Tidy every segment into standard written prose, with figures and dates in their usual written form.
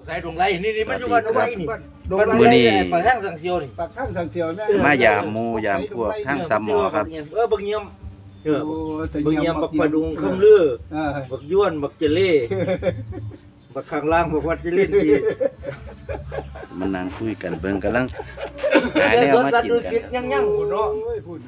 สายดงไรนี่มันอยู่บ้านดงไรนี่มื้อนี้ปากทางสังเซียวนี่ปากข้างสังเสียวแม่มายามหมู่ยามพวกทางสามหมอครับบักเงียมเออโอ้บักเงียมบักปลาดุงคำลืออ่าบักย้วนบักเจเล่บักข้างล่างบักวัดเจเล่นที่มันนั่งคุยกันเบิ่งกำลังหาแต่แนวสวนมาสัตกิว์นดูกัสินยังๆพุ่นเนาะโอ้ยพูด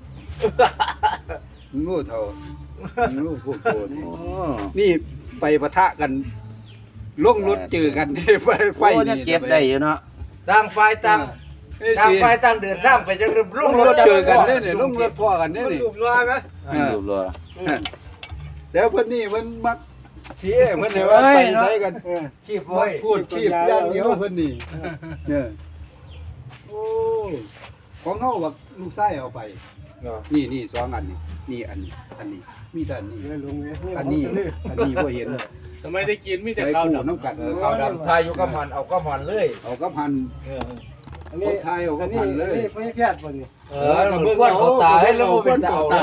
งูเท่างูพวกโกรธโอ้นี่ไปปะทะกันลงรถเจอกันไฟโอ้ยังเก็บได้อยู่เนาะต่างฝ่ายต่างต่างฝ่ายต่างเดินทางไปจังลงรถเจอกันเนี่ยลงรถพ่อกันเนี่ยรูปรอยไหมรูปรอแล้วเพิ่นนี่มันมักสิเพิ่นให้ว่าไปใส่กันขีบไว้พูดชีพอย่างเดียวเพิ่นนี่เนี่ยโอ้ของเฮาบักลูกชายเอาไป นี่สองอันนี่อันนี้มีแต่อันนี้อันนี้บ่เห็นทำไมได้กินมีแต่ใส่ข้าวคู่ดำน้ำกันข้าวดำทายอยู่กับมันเอากับมันเลยเอากับพันอันนี้ไทยเอากับพันเลยไม่แพทย์บ่นี่มันกวนเขาตาให้แล้วเป็นเจ้าตา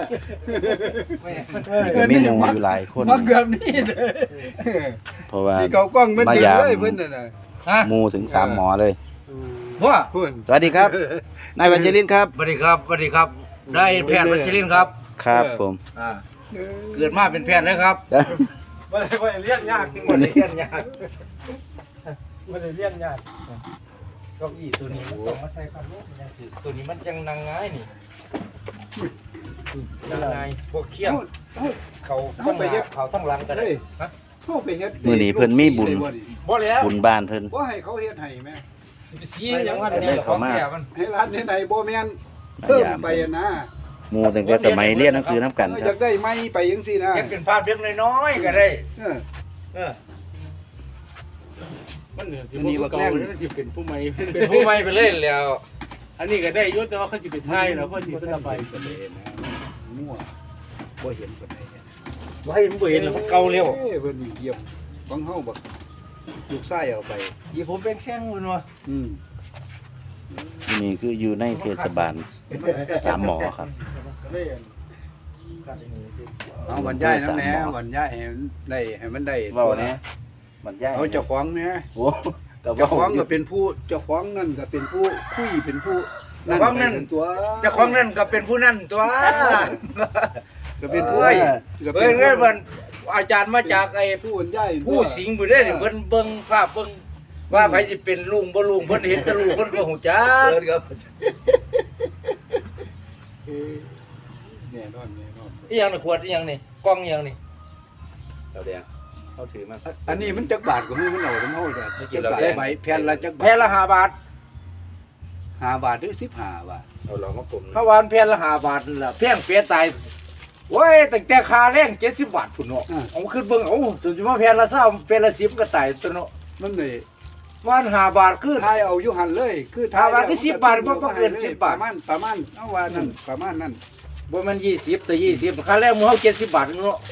มีหมู่อยู่หลายคนมาเกือบนี่เลยเพราะว่าที่เขากล้องมันเดินเลยเพิ่นน่ะนะหมู่ถึง3หมอเลยว่าเพิ่นสวัสดีครับนายวัชรินทร์ครับสวัสดีครับสวัสดีครับ ได้แพทย์วัชรินทร์ครับครับผมเกิดมาเป็นแพทย์เลยครับบ่ได้เรียนยากคนเรียนยากบ่ได้เรียนยากเก้าอี้ตัวนี้มันต้องมาใส่ความรู้มันยังถือตัวนี้มันยังนั่งง่ายนี่นั่งง่ายพวกเขี้ยงเขาต้องไปเขาต้องหลังกันเลยฮะเข้าไปเฮ็ดมื้อนี้เพิ่นมีบุญบ่แล้วบุญบ้านเพิ่นบ่ให้เขาเฮ็ดให้แม่สีอย่างว่าเนี่ยของแก่มันให้ร้านเฮ็ดให้บ่แม่นเพิ่มไปนะหมู่ตั้งแต่สมัยเรียนหนังสือนํกันคอรัยาบกได้ไม้ไปจังซี่นะเฮ็ดเป็นภาพเล็กน้อยๆก็ได้เออเออมันเนี่ยที่มันเก่าเลยมันจะเป็นผู้ใหม่เป็นผู้ใหม่ไปเลยแล้วอันนี้ก็ได้ยศแต่ว่าเขาจะไปไทยแล้วเขาจะไปมั่วบ่เห็นปานใดว่าให้มันบ่เห็นแล้วมันเก่าเร็วเพิ่นเยี่ยมของเฮาบักลูกชายเอาไปอีผมเป็นแข้งมันวะนี่คืออยู่ในเทศบาล3หมอครับเอาบรรยายนำแหน่บรรยายให้มันได้ให้มันได้เว้าแหน่บรรยายเอาเจ้าของแหน่โอ้ก็เจ้าของก็เป็นผู้เจ้าของนั่นก็เป็นผู้คุยเป็นผู้ตัวเจ้าของนั่นก็เป็นผู้นั่นตัวก็เป็นผู้เฮ้ยก็เฮ้ยเฮ้ยมันอาจารย์มาจากไอ้ผู้บรรยายผู้สิงห์บ่ได้นี่เพิ่นเบิ่งภาพเบิ่งว่าไผสิเป็นลุงบ่ลุงเพิ่นเห็นแต่ลุงเพิ่นก็ฮู้จักแน่นอนอีหยังนี่ขวดอีหยังนี่กล่องอีหยังนี่เอาแดงเขาถือมาอันนี้มันจักบาทก็มีมันเอาทั้งเฮาจ้ะจักบาทใบแผ่นละจักแผ่นละ5บาท 5 บาทหรือ15 บาทเอาลองมากลมเพราะว่าแผ่นละ5บาทนั่นล่ะแพงเปียตายโอ้ยตั้งแต่ค่าแรง70บาทพุ่นเนาะเอาขึ้นเบิ่งเอาจนสิมาแผ่นละ20แผ่นละ10ก็ตายตัวเนาะมันเลยวัน5บาทคือทายเอาอยู่หันเลย คือถ้าว่าคือ10บาทบ่เกิน10บาทประมาณเอาว่านั่นประมาณนั้นบ่แม่น20แต่20ค่าแรงหมู่เฮา70บาทเนาะ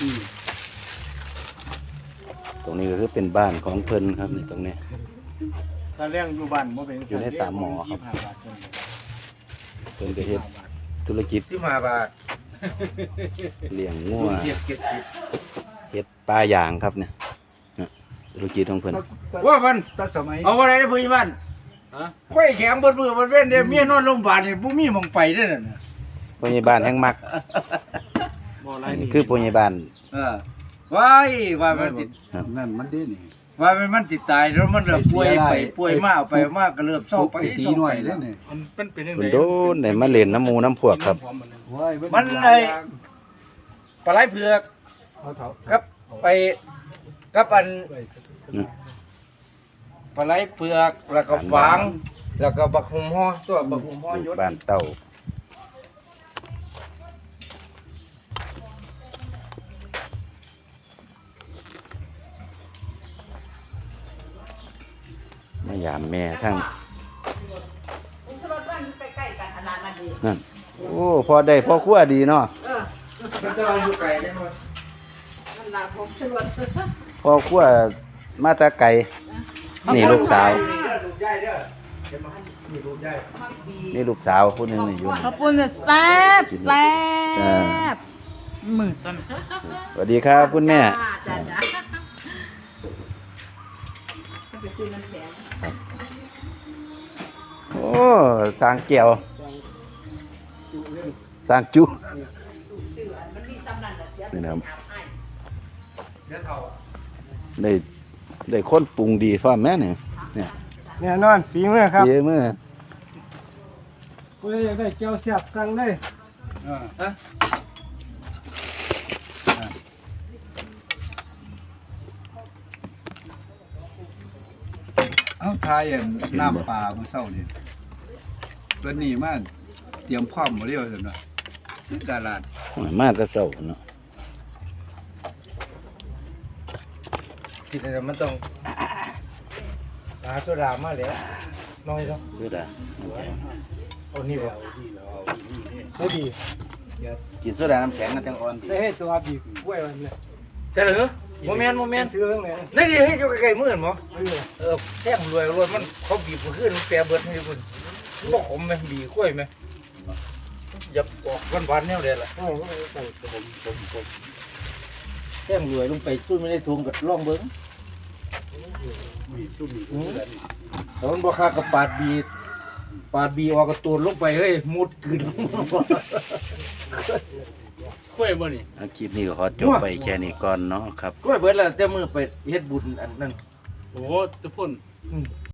ตรงนี้ก็คือเป็นบ้านของเพิ่นครับนี่ตรงนี้ถ้าเลี้ยงอยู่บ้านบ่เป็นอยู่ในสามหมอครับ 25 บาทเพิ่นก็เฮ็ดธุรกิจ 15บาทเลี้ยงงัวเทียบเก็บสิเฮ็ดปลาย่างครับเนี่ยธุรกิจของเพิ่นว่ามันตั้งสมัยเอาอะไรได้เพิ่นบ้านค่อยแข็งเบิดมือเบิดเว้นเด้เมียนอนโรงพยาบาลนี่บ่มีหม่องไปเด้อนั่นน่ะผู้ใหญ่บ้านแห่งมักบ่ไรอันนี้นี่คือผู้ใหญ่บ้านว้ายว่ามันติดนั่นมันดีนี่ว่ามันติดตายแล้วมันเริ่มป่วยไปป่วยมาเอาไปมาก็เริ่มเศร้าไปตีหน่อยเด้นี่มันเป็นยังเพิ่ไงนโดนได้มาเล่นน้ำหมูน้ำพวกครับโอ้ยมันไอ้ปลาไหลเผือกเอาเถากับไปกับอันอืมปลาไหลเผือกแล้วก็ฝางแล้วก็บักหุ่มฮ้อตัวบักหุ่มฮ้อยศบ้านเต้ามาหยามแม่ทั้งอุสรถบ้านอยู่ใกล้ๆกันขนาดนั้นดีนั่นโอ้พอได้พอครัวดีเนาะมันจะอยู่ไกลได้บ่นั่นล่ะผมสรวจพอครัวมาแตะไกลนี่ลูกสาวลูกใหญ่เด้อเดี๋ยวมาให้นี่ลูกใหญ่นี่ลูกสาวผู้หนึงนี่อยู่นี่ข้าวปุ้นแซ่บแซ่บมือต้นสวัสดีครับคุณแม่จ้าจ้าโอ้สร้างแก้วสร้างจุนี่นะครับได้คนปรุงดีพร้อมแม่เนี่ยเนี่ยแน่นอนฝีมือครับเยอะมือผู้ใดอยากได้แก้วแซ่บสั่งเลยเอาทายอย่างน้ำปลาเมื่อเช้านี่วันนี้มาเตรียมพร้อมบ่เรียวซั่นว่าตลาดมาแต่เช้าเนาะกินอะไรมันต้องหาโซดามาแล้วน้อยเนาะคือได้เอานี่บ่ได้ดีกินโซดาน้ำแข็งกันจังอ่อนดีได้ให้ตัวบีบกล้วยมันเลยใช่เหรอโมเมนต์ถือเรื่องไหนนี่ดิให้อยู่ใกล้ๆมือหมอไม่เลยแท่งรวยมันเขาบีบขึ้นมันแปรเบิดให้คุณบ่ขมไหมบีกล้วยไหมอย่าออกหวานๆแนวเดียวล่ะโอ้โหใส่แท่งรวยลงไปสู้ไม่ได้ทุงกับล่องเบิ้งมีซุ่มมีแต่มันบ่ค่ากับปาดบีออกกระตูนลงไปเฮ้ยมุดขึ้นกล้วยบ่นี่คลิปนี้ก็ขอจบไปแค่นี้ก่อนเนาะครับกล้วยเบิดแล้วแต่มือไปเฮ็ดบุญอันนั้นโอ้ตะพุ่น